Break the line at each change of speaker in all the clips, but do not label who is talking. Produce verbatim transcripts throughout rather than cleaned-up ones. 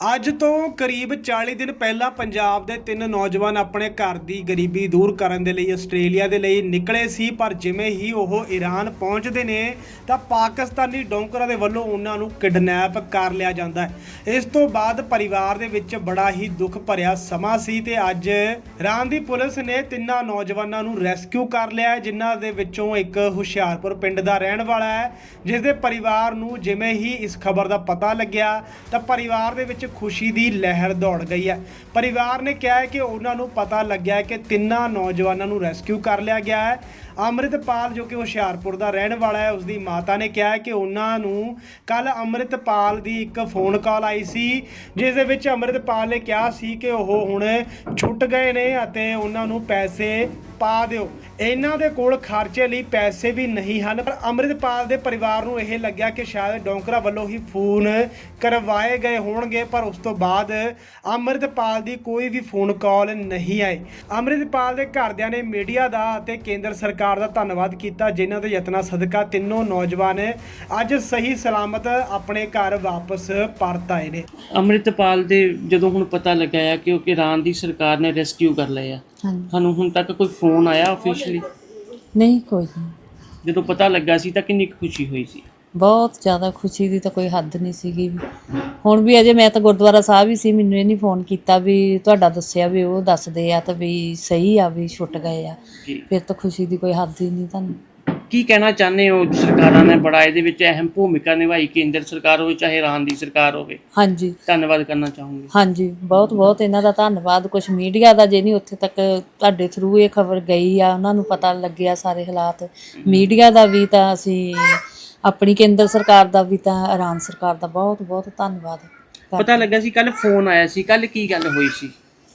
ਅੱਜ ਤੋਂ ਕਰੀਬ ਚਾਲੀ ਦਿਨ ਪਹਿਲਾਂ ਪੰਜਾਬ ਦੇ ਤਿੰਨ ਨੌਜਵਾਨ ਆਪਣੇ ਘਰ ਦੀ ਗਰੀਬੀ ਦੂਰ ਕਰਨ ਦੇ ਲਈ ਆਸਟ੍ਰੇਲੀਆ ਦੇ ਲਈ ਨਿਕਲੇ ਸੀ। ਪਰ ਜਿਵੇਂ ਹੀ ਉਹ ਈਰਾਨ ਪਹੁੰਚਦੇ ਨੇ ਤਾਂ ਪਾਕਿਸਤਾਨੀ ਡੋਂਕਰਾਂ ਦੇ ਵੱਲੋਂ ਉਹਨਾਂ ਨੂੰ ਕਿਡਨੈਪ ਕਰ ਲਿਆ ਜਾਂਦਾ ਹੈ। ਇਸ ਤੋਂ ਬਾਅਦ ਪਰਿਵਾਰ ਦੇ ਵਿੱਚ ਬੜਾ ਹੀ ਦੁੱਖ ਭਰਿਆ ਸਮਾਂ ਸੀ ਤੇ ਅੱਜ ਈਰਾਨ ਦੀ ਪੁਲਿਸ ਨੇ ਤਿੰਨਾਂ ਨੌਜਵਾਨਾਂ ਨੂੰ ਰੈਸਕਿਊ ਕਰ ਲਿਆ, ਜਿਨ੍ਹਾਂ ਦੇ ਵਿੱਚੋਂ ਇੱਕ ਹੁਸ਼ਿਆਰਪੁਰ ਪਿੰਡ ਦਾ ਰਹਿਣ ਵਾਲਾ ਹੈ, ਜਿਸ ਦੇ ਪਰਿਵਾਰ ਨੂੰ ਜਿਵੇਂ ਹੀ ਇਸ ਖਬਰ ਦਾ ਪਤਾ ਲੱਗਿਆ ਤਾਂ ਪਰਿਵਾਰ ਦੇ ਵਿੱਚ खुशी ਦੀ ਲਹਿਰ ਦੌੜ ਗਈ ਹੈ। ਪਰਿਵਾਰ ਨੇ ਕਿਹਾ ਹੈ ਕਿ ਉਹਨਾਂ ਨੂੰ ਪਤਾ ਲੱਗਿਆ ਕਿ ਤਿੰਨਾਂ ਨੌਜਵਾਨਾਂ ਨੂੰ ਰੈਸਕਿਊ ਕਰ ਲਿਆ ਗਿਆ ਹੈ। ਅੰਮ੍ਰਿਤਪਾਲ ਜੋ ਕਿ ਹੁਸ਼ਿਆਰਪੁਰ ਦਾ ਰਹਿਣ ਵਾਲਾ ਹੈ, ਉਸਦੀ ਮਾਤਾ ਨੇ ਕਿਹਾ ਕਿ ਉਹਨਾਂ ਨੂੰ ਕੱਲ ਅੰਮ੍ਰਿਤਪਾਲ ਦੀ ਇੱਕ ਫੋਨ ਕਾਲ ਆਈ ਸੀ, ਜਿਸ ਦੇ ਵਿੱਚ ਅੰਮ੍ਰਿਤਪਾਲ ਨੇ ਕਿਹਾ ਸੀ ਕਿ ਉਹ ਹੁਣ ਛੁੱਟ ਗਏ ਨੇ ਅਤੇ ਉਹਨਾਂ ਨੂੰ ਪੈਸੇ ਪਾ ਦਿਓ। ਇਹਨਾਂ ਦੇ ਕੋਲ ਖਰਚੇ ਲਈ ਪੈਸੇ ਵੀ ਨਹੀਂ ਹਨ। ਪਰ ਅੰਮ੍ਰਿਤਪਾਲ ਦੇ ਪਰਿਵਾਰ ਨੂੰ ਇਹ ਲੱਗਿਆ ਕਿ ਸ਼ਾਇਦ ਡੋਂਕਰਾਂ ਵੱਲੋਂ ਹੀ ਫੋਨ ਕਰਵਾਏ ਗਏ ਹੋਣਗੇ, ਪਰ ਉਸ ਤੋਂ ਬਾਅਦ ਅੰਮ੍ਰਿਤਪਾਲ ਦੀ ਕੋਈ ਵੀ ਫੋਨ ਕਾਲ ਨਹੀਂ ਆਈ। ਅੰਮ੍ਰਿਤਪਾਲ ਦੇ ਘਰਦਿਆਂ ਨੇ ਮੀਡੀਆ ਦਾ ਅਤੇ ਕੇਂਦਰ ਸਰਕਾਰ ਦਾ ਧੰਨਵਾਦ ਕੀਤਾ, ਜਿਨ੍ਹਾਂ ਦੇ ਯਤਨਾਂ ਸਦਕਾ ਤਿੰਨੋਂ ਨੌਜਵਾਨ ਅੱਜ ਸਹੀ ਸਲਾਮਤ ਆਪਣੇ ਘਰ ਵਾਪਸ ਪਰਤ ਆਏ ਨੇ।
ਅੰਮ੍ਰਿਤਪਾਲ ਦੇ ਜਦੋਂ ਹੁਣ ਪਤਾ ਲੱਗਿਆ ਕਿ ਉਹ ਈਰਾਨ ਦੀ ਸਰਕਾਰ ਨੇ ਰੈਸਕਿਊ ਕਰ ਲਿਆ, ਤੁਹਾਨੂੰ ਹੁਣ ਤੱਕ ਕੋਈ ਫੋਨ ਆਇਆ ਆਫੀਸ਼ੀਅਲੀ?
ਨਹੀਂ, ਕੋਈ ਨਹੀਂ।
ਜਦੋਂ ਪਤਾ ਲੱਗਾ ਸੀ ਤਾਂ ਕਿੰਨੀ ਖੁਸ਼ੀ ਹੋਈ ਸੀ?
ਬਹੁਤ ਜ਼ਿਆਦਾ ਖੁਸ਼ੀ ਦੀ ਤਾਂ ਕੋਈ ਹੱਦ ਨਹੀਂ ਸੀਗੀ। ਹੁਣ ਵੀ ਅਜੇ ਮੈਂ ਤਾਂ ਗੁਰਦੁਆਰਾ ਸਾਹਿਬ ਹੀ ਸੀ, ਮੈਨੂੰ ਇਹ ਨਹੀਂ ਫੋਨ ਕੀਤਾ ਵੀ ਤੁਹਾਡਾ ਦੱਸਿਆ ਵੀ ਉਹ ਦੱਸਦੇ ਆ ਤਾਂ ਵੀ ਸਹੀ ਆ ਵੀ ਛੁੱਟ ਗਏ ਆ। ਫਿਰ ਤਾਂ ਖੁਸ਼ੀ ਦੀ ਕੋਈ ਹੱਦ ਹੀ ਨਹੀਂ। ਤੁਹਾਨੂੰ
ਕੀ ਕਹਿਣਾ ਚਾਹੁੰਦੇ ਹੋ? ਸਰਕਾਰਾਂ ਨੇ ਬੜਾ ਇਹਦੇ ਵਿੱਚ ਅਹਿਮ ਭੂਮਿਕਾ ਨਿਭਾਈ, ਕੇਂਦਰ ਸਰਕਾਰ ਹੋਵੇ ਚਾਹੇ ਈਰਾਨ ਦੀ ਸਰਕਾਰ ਹੋਵੇ।
ਹਾਂਜੀ,
ਧੰਨਵਾਦ ਕਰਨਾ ਚਾਹੂੰਗੀ।
ਹਾਂਜੀ, ਬਹੁਤ ਬਹੁਤ ਇਹਨਾਂ ਦਾ ਧੰਨਵਾਦ। ਕੁਛ ਮੀਡੀਆ ਦਾ ਜੇ ਨਹੀਂ ਉੱਥੇ ਤੱਕ ਤੁਹਾਡੇ ਥਰੂ ਇਹ ਖਬਰ ਗਈ ਆ, ਉਹਨਾਂ ਨੂੰ ਪਤਾ ਲੱਗਿਆ ਸਾਰੇ ਹਾਲਾਤ। ਮੀਡੀਆ ਦਾ ਵੀ ਤਾਂ ਅਸੀਂ ਆਪਣੀ ਕੇਂਦਰ ਸਰਕਾਰ ਦਾ ਵੀ ਤਾਂ ਈਰਾਨ ਸਰਕਾਰ ਦਾ ਬਹੁਤ ਬਹੁਤ ਧੰਨਵਾਦ।
ਪਤਾ ਲੱਗਾ ਸੀ ਕੱਲ ਫੋਨ ਆਇਆ ਸੀ, ਕੱਲ ਕੀ ਗੱਲ ਹੋਈ ਸੀ?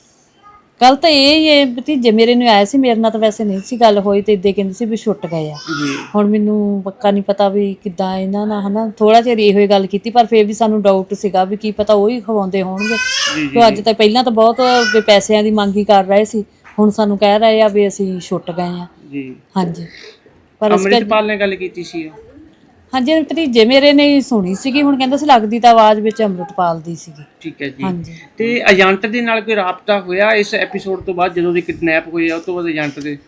ਕੱਲ ਤਾਂ ਇਹ ਹੀ ਹੈ, ਭਤੀਜੇ ਮੇਰੇ ਨੂੰ ਆਇਆ ਸੀ, ਮੇਰੇ ਨਾਲ ਤਾਂ ਵੈਸੇ ਨਹੀਂ ਸੀ ਗੱਲ ਹੋਈ, ਤੇ ਇੱਦਾਂ ਕਹਿੰਦੇ ਸੀ ਵੀ ਛੁੱਟ ਗਏ ਆ। ਹੁਣ ਮੈਨੂੰ ਪੱਕਾ ਨਹੀਂ ਪਤਾ ਵੀ ਕਿੱਦਾਂ ਇਹਨਾਂ ਨਾਲ, ਹੈ ਨਾ, ਥੋੜ੍ਹਾ ਚਿਰ ਇਹੋ ਹੀ ਗੱਲ ਕੀਤੀ, ਪਰ ਫਿਰ ਵੀ ਸਾਨੂੰ ਡਾਊਟ ਸੀਗਾ ਵੀ ਕੀ ਪਤਾ ਉਹੀ ਖਵਾਉਂਦੇ ਹੋਣਗੇ। ਤੇ ਅੱਜ ਤਾਂ ਪਹਿਲਾਂ ਤਾਂ ਬਹੁਤ ਵੀ ਪੈਸਿਆਂ ਦੀ ਮੰਗ ਹੀ ਕਰ ਰਹੇ ਸੀ, ਹੁਣ ਸਾਨੂੰ ਕਹਿ ਰਹੇ ਆ ਵੀ ਅਸੀਂ ਛੁੱਟ ਗਏ ਆ।
ਜੀ, ਹਾਂਜੀ।
ਪਰ
ਅੰਮ੍ਰਿਤਪਾਲ ਨੇ ਗੱਲ ਕੀਤੀ ਸੀ?
ਹਾਂਜੀ, ਭਤੀਜੇ ਮੇਰੇ ਨੇ ਸੁਣੀ ਸੀਗੀ, ਹੁਣ ਕਹਿੰਦਾ ਸੀ ਲੱਗਦੀ ਤਾਂ ਆਵਾਜ਼ ਵਿੱਚ ਅੰਮ੍ਰਿਤਪਾਲ ਦੀ ਸੀਗੀ।
ਠੀਕ ਹੈ ਜੀ। ਹਾਂਜੀ। ਤੇ ਏਜੰਟ ਦੇ ਨਾਲ ਕੋਈ ਰਾਬਤਾ ਹੋਇਆ ਇਸ ਐਪੀਸੋਡ ਤੋਂ ਬਾਅਦ, ਜਦੋਂ ਦੀ ਕਿਡਨੈਪ ਹੋਈ ਆ ਉਸ ਤੋਂ ਬਾਅਦ ਏਜੰਟ ਦੇ?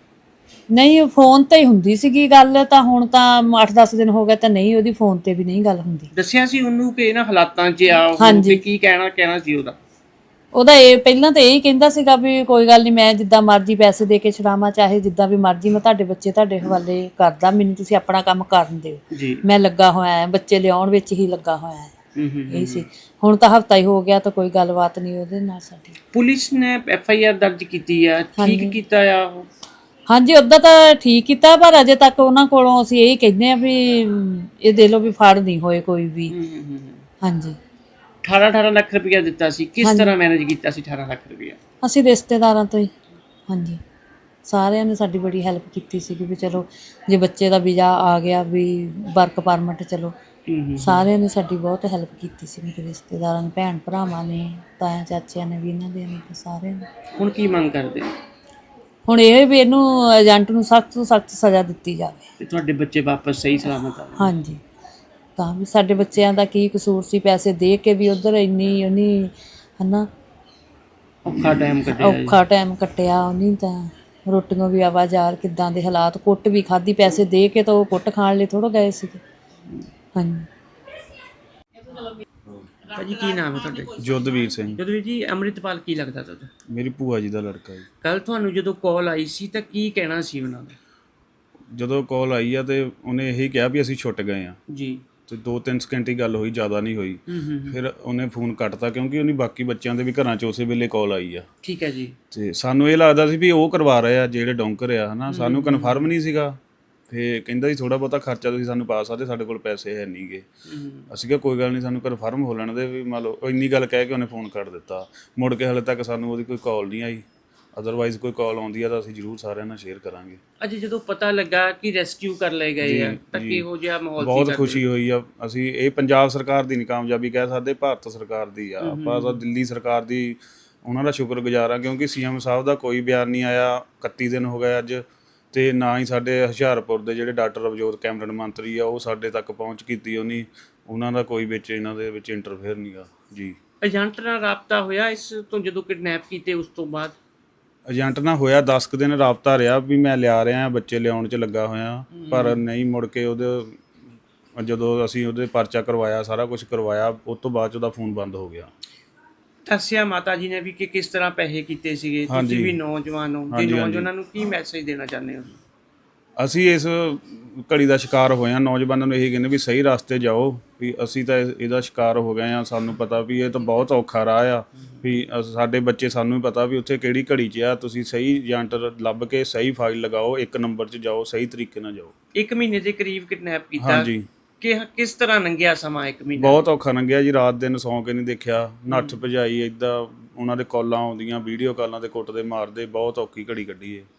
ਨਹੀਂ, ਫੋਨ ਤੇ ਹੀ ਹੁੰਦੀ ਸੀਗੀ ਗੱਲ, ਤਾਂ ਹੁਣ ਤਾਂ ਅੱਠ ਦਸ ਦਿਨ ਹੋ ਗਏ ਤਾਂ ਨਹੀਂ, ਉਹਦੀ ਫੋਨ ਤੇ ਵੀ ਨਹੀਂ ਗੱਲ ਹੁੰਦੀ।
ਦੱਸਿਆ ਸੀ ਉਹਨੂੰ ਕਿ ਇਹਨਾਂ ਹਾਲਾਤਾਂ 'ਚ ਆ ਉਹ, ਤੇ ਕੀ ਕਹਿਣਾ ਕਹਿਣਾ ਸੀ ਉਹਦਾ?
ਉਹਦਾ ਇਹ ਪਹਿਲਾਂ ਤਾਂ ਇਹੀ ਕਹਿੰਦਾ ਸੀਗਾ ਵੀ ਕੋਈ ਗੱਲ ਨਹੀਂ, ਮੈਂ ਜਿੱਦਾਂ ਮਰਜ਼ੀ ਪੈਸੇ ਦੇ ਕੇ ਛੁਡਾਵਾਂ, ਚਾਹੇ ਜਿੱਦਾਂ ਵੀ ਮਰਜ਼ੀ, ਮੈਂ ਤੁਹਾਡੇ ਬੱਚੇ ਤੁਹਾਡੇ ਹਵਾਲੇ ਕਰਦਾ, ਮੈਨੂੰ ਤੁਸੀਂ ਆਪਣਾ ਕੰਮ ਕਰਨ ਦਿਓ, ਮੈਂ ਲੱਗਾ ਹੋਇਆ, ਬੱਚੇ ਲਿਆਉਣ ਵਿੱਚ ਹੀ ਲੱਗਾ ਹੋਇਆ ਹੈ। ਇਹ ਸੀ। ਹੁਣ ਤਾਂ ਹਫਤਾ ਹੀ ਹੋ ਗਿਆ ਤਾਂ ਕੋਈ ਗੱਲਬਾਤ ਨਹੀਂ ਉਹਦੇ ਨਾਲ ਸਾਡੀ।
ਪੁਲਿਸ ਨੇ ਐਫ ਆਈ ਆਰ ਦਰਜ ਕੀਤੀ ਆ, ਠੀਕ ਕੀਤਾ ਆ ਉਹ? ਹਾਂਜੀ,
ਉੱਦਾਂ ਤਾਂ ਠੀਕ ਕੀਤਾ, ਪਰ ਅਜੇ ਤੱਕ ਉਹਨਾਂ ਕੋਲੋਂ ਅਸੀਂ ਇਹ ਕਹਿੰਦੇ ਆ ਵੀ ਇਹ ਦੇ ਲਓ ਵੀ ਫੜ ਨਹੀਂ ਹੋਏ ਕੋਈ ਵੀ। ਹਾਂਜੀ।
ਅਠਾਰਾਂ ਅਠਾਰਾਂ ਲੱਖ ਰੁਪਇਆ ਦਿੱਤਾ ਸੀ, ਕਿਸ ਤਰ੍ਹਾਂ ਮੈਨੇਜ ਕੀਤਾ ਸੀ ਅਠਾਰਾਂ ਲੱਖ ਰੁਪਇਆ?
ਅਸੀਂ ਰਿਸ਼ਤੇਦਾਰਾਂ ਤੋਂ ਹੀ। ਹਾਂਜੀ, ਸਾਰਿਆਂ ਨੇ ਸਾਡੀ ਬੜੀ ਹੈਲਪ ਕੀਤੀ ਸੀਗੀ ਵੀ ਚਲੋ ਜੇ ਬੱਚੇ ਦਾ ਵੀਜ਼ਾ ਆ ਗਿਆ ਵੀ ਵਰਕ ਪਰਮਿਟ, ਚਲੋ ਸਾਰਿਆਂ ਨੇ ਸਾਡੀ ਬਹੁਤ ਹੈਲਪ ਕੀਤੀ ਸੀ, ਮੇਰੇ ਰਿਸ਼ਤੇਦਾਰਾਂ ਨੇ, ਭੈਣ ਭਰਾਵਾਂ ਨੇ, ਤਾਇਆ ਚਾਚਿਆਂ ਨੇ ਵੀ, ਇਹਨਾਂ ਦੇ ਨੇ, ਸਾਰਿਆਂ ਨੇ। ਹੁਣ ਕੀ ਮੰਗ ਕਰਦੇ? ਹੁਣ ਇਹ ਵੀ ਇਹਨੂੰ ਏਜੰਟ ਨੂੰ ਸਖਤ ਤੋਂ ਸਖਤ ਸਜ਼ਾ ਦਿੱਤੀ ਜਾਵੇ ਤੇ ਤੁਹਾਡੇ ਬੱਚੇ ਵਾਪਸ ਸਹੀ ਸਲਾਮਤ ਆ। ਹਾਂਜੀ, ਤਾਂ ਵੀ ਸਾਡੇ ਬੱਚਿਆਂ ਦਾ ਕੀ ਕਸੂਰ ਸੀ, ਪੈਸੇ ਦੇ ਕੇ ਵੀ ਉੱਧਰ ਇੰਨੀ ਉਹਨੀ, ਹੈ ਨਾ, ਔਖਾ ਟਾਈਮ ਕੱਟਿਆ ਔਖਾ ਟਾਈਮ ਕੱਟਿਆ ਉਹਨੇ ਤਾਂ। ਰੋਟੀਆਂ ਵੀ ਆਵਾਜ਼ਾਰ, ਕਿੱਦਾਂ ਦੇ ਹਾਲਾਤ, ਕੁੱਟ ਵੀ ਖਾਧੀ, ਪੈਸੇ ਦੇ ਕੇ ਤਾਂ ਉਹ ਕੁੱਟ ਖਾਣ ਲਈ ਥੋੜ੍ਹਾ ਗਏ ਸੀਗੇ। ਹਾਂਜੀ।
ਭਾਜੀ ਕੀ ਨਾਮ ਹੈ ਤੁਹਾਡਾ?
ਜੋਧਵੀਰ ਸਿੰਘ।
ਜੋਧਵੀਰ ਜੀ, ਅੰਮ੍ਰਿਤਪਾਲ ਕੀ ਲੱਗਦਾ ਤੁਹਾਡਾ?
ਮੇਰੀ ਭੂਆ ਜੀ ਦਾ ਲੜਕਾ ਜੀ।
ਕੱਲ ਤੁਹਾਨੂੰ ਜਦੋਂ ਕਾਲ ਆਈ ਸੀ ਤਾਂ ਕੀ ਕਹਿਣਾ ਸੀ ਉਹਨਾਂ ਦਾ?
ਜਦੋਂ ਕਾਲ ਆਈ ਆ ਤੇ ਉਹਨੇ ਇਹੀ ਕਿਹਾ ਵੀ ਅਸੀਂ ਛੁੱਟ ਗਏ ਆ
ਜੀ, ਤੇ
ਦੋ ਤਿੰਨ ਸਕਿੰਟ ਹੀ ਗੱਲ ਹੋਈ, ਜ਼ਿਆਦਾ ਨਹੀਂ ਹੋਈ। ਫਿਰ ਉਹਨੇ ਫੋਨ ਕੱਟਤਾ ਕਿਉਂਕਿ ਉਹਨੇ ਬਾਕੀ ਬੱਚਿਆਂ ਦੇ ਵੀ ਘਰਾਂ 'ਚ ਉਸੇ ਵੇਲੇ ਕਾਲ ਆਈ ਆ।
ਠੀਕ ਹੈ ਜੀ। ਤੇ
ਸਾਨੂੰ ਇਹ ਲੱਗਦਾ ਸੀ ਵੀ ਉਹ ਕਰਵਾ ਰਹੇ ਆ ਜਿਹੜੇ ਡੋਂਕਰ ਆ, ਹੈ ਨਾ, ਸਾਨੂੰ ਕਨਫਰਮ ਨਹੀਂ ਸੀਗਾ। ਫਿਰ ਕਹਿੰਦਾ ਸੀ ਥੋੜ੍ਹਾ ਬਹੁਤਾ ਖਰਚਾ ਤੁਸੀਂ ਸਾਨੂੰ ਪਾ ਸਕਦੇ, ਸਾਡੇ ਕੋਲ ਪੈਸੇ ਹੈ ਨਹੀਂ ਗੇ। ਅਸੀਂ ਕਿਹਾ ਕੋਈ ਗੱਲ ਨਹੀਂ, ਸਾਨੂੰ ਕਨਫਰਮ ਹੋ ਲੈਣ ਦੇ ਵੀ, ਮੰਨ ਲਓ ਇੰਨੀ ਗੱਲ ਕਹਿ ਕੇ ਉਹਨੇ ਫੋਨ ਕੱਟ ਦਿੱਤਾ। ਮੁੜ ਕੇ ਹਾਲੇ ਤੱਕ ਸਾਨੂੰ ਉਹਦੀ ਕੋਈ ਕਾਲ ਨਹੀਂ ਆਈ, ਅਦਰਵਾਈਜ਼ ਕੋਈ ਕਾਲ ਆਉਂਦੀ ਆ ਤਾਂ ਅਸੀਂ ਜ਼ਰੂਰ ਸਾਰਿਆਂ ਨਾਲ ਸ਼ੇਅਰ ਕਰਾਂਗੇ।
ਅੱਜ ਜਦੋਂ ਪਤਾ ਲੱਗਾ ਕਿ ਰੈਸਕਿਊ ਕਰ ਲਏ ਗਏ ਆ ਤਾਂ ਕਿਹੋ ਜਿਹਾ ਮਾਹੌਲ ਸੀ?
ਬਹੁਤ ਖੁਸ਼ੀ ਹੋਈ ਆ। ਅਸੀਂ ਇਹ ਪੰਜਾਬ ਸਰਕਾਰ ਦੀ ਨਹੀਂ ਕਾਮਯਾਬੀ ਕਹਿ ਸਕਦੇ, ਭਾਰਤ ਸਰਕਾਰ ਦੀ ਆ। ਆਪਾਂ ਤਾਂ ਦਿੱਲੀ ਸਰਕਾਰ ਦੀ ਉਹਨਾਂ ਦਾ ਸ਼ੁਕਰਗੁਜ਼ਾਰ ਆ, ਕਿਉਂਕਿ ਸੀ ਐਮ ਸਾਹਿਬ ਦਾ ਕੋਈ ਬਿਆਨ ਨਹੀਂ ਆਇਆ, ਇਕੱਤੀ ਦਿਨ ਹੋ ਗਏ ਅੱਜ, ਤੇ ਨਾ ਹੀ ਸਾਡੇ ਹੁਸ਼ਿਆਰਪੁਰ ਦੇ ਜਿਹੜੇ ਡਾਕਟਰ ਰਵਜੋਤ ਕੈਮਰਨ ਮੰਤਰੀ ਆ ਉਹ ਸਾਡੇ ਤੱਕ ਪਹੁੰਚ ਕੀਤੀ ਉਹਨੀ, ਉਹਨਾਂ ਦਾ ਕੋਈ ਵਿੱਚ ਇਹਨਾਂ ਦੇ ਵਿੱਚ ਇੰਟਰਫੇਅਰ ਨਹੀਂ ਗਾ ਜੀ।
ਏਜੰਟ ਨਾਲ ਰਾਬਤਾ ਹੋਇਆ ਇਸ ਤੋਂ ਜਦੋਂ ਕਿਡਨੈਪ ਕੀਤੇ ਉਸ ਤੋਂ ਬਾਅਦ?
ਏਜੰਟ ਨਾਲ ਹੋਇਆ ਦਸ ਕੁ ਦਿਨ ਰਾਬਤਾ ਰਿਹਾ ਵੀ ਮੈਂ ਲਿਆ ਰਿਹਾ ਬੱਚੇ ਲਿਆਉਣ 'ਚ ਲੱਗਾ ਹੋਇਆ, ਪਰ ਨਹੀਂ ਮੁੜ ਕੇ ਉਹਦੇ ਜਦੋਂ ਅਸੀਂ ਉਹਦੇ ਪਰਚਾ ਕਰਵਾਇਆ ਸਾਰਾ ਕੁਝ ਕਰਵਾਇਆ ਉਸ ਤੋਂ ਬਾਅਦ 'ਚ ਉਹਦਾ ਫੋਨ ਬੰਦ ਹੋ ਗਿਆ।
ਦੱਸਿਆ ਮਾਤਾ ਜੀ ਨੇ ਵੀ ਕਿ ਕਿਸ ਤਰ੍ਹਾਂ ਪੈਸੇ ਕੀਤੇ ਸੀਗੇ, ਤੁਸੀਂ ਵੀ ਨੌਜਵਾਨ ਹੋ ਤੇ ਨੌਜਵਾਨਾਂ ਨੂੰ ਕੀ ਮੈਸੇਜ ਦੇਣਾ ਚਾਹੁੰਦੇ ਹੋ?
ਅਸੀਂ ਇਸ ਘੜੀ ਦਾ ਸ਼ਿਕਾਰ ਹੋਏ ਹਾਂ, ਨੌਜਵਾਨਾਂ ਨੂੰ ਇਹੀ ਕਹਿੰਦੇ ਵੀ ਸਹੀ ਰਸਤੇ ਜਾਓ, ਵੀ ਅਸੀਂ ਤਾਂ ਇਹ- ਇਹਦਾ ਸ਼ਿਕਾਰ ਹੋ ਗਏ ਹਾਂ। ਸਾਨੂੰ ਪਤਾ ਵੀ ਇਹ ਤਾਂ ਬਹੁਤ ਔਖਾ ਰਾਹ ਆ, ਵੀ ਅਸ- ਸਾਡੇ ਬੱਚੇ ਸਾਨੂੰ ਵੀ ਪਤਾ ਵੀ ਉੱਥੇ ਕਿਹੜੀ ਘੜੀ 'ਚ ਆ। ਤੁਸੀਂ ਸਹੀ ਏਜੰਟ ਲੱਭ ਕੇ ਸਹੀ ਫਾਈਲ ਲਗਾਓ, ਇੱਕ ਨੰਬਰ 'ਚ ਜਾਓ, ਸਹੀ ਤਰੀਕੇ ਨਾਲ ਜਾਓ।
ਇੱਕ ਮਹੀਨੇ ਦੇ ਕਰੀਬ ਕਿਡਨੈਪ ਕੀਤਾ।
ਹਾਂਜੀ,
ਕਿ ਕਿਸ ਤਰ੍ਹਾਂ ਲੰਘਿਆ ਸਮਾਂ ਇੱਕ ਮਹੀਨਾ?
ਬਹੁਤ ਔਖਾ ਲੰਘਿਆ ਜੀ, ਰਾਤ ਦਿਨ ਸੌਂ ਕੇ ਨਹੀਂ ਦੇਖਿਆ, ਨੱਠ ਭਜਾਈ ਏਦਾਂ ਉਹਨਾਂ ਦੇ ਕਾਲਾਂ ਆਉਂਦੀਆਂ, ਵੀਡੀਓ ਕਾਲਾਂ ਤੇ ਕੁੱਟਦੇ ਮਾਰਦੇ, ਬਹੁਤ ਔਖੀ ਘੜੀ ਕੱਢੀ ਏ।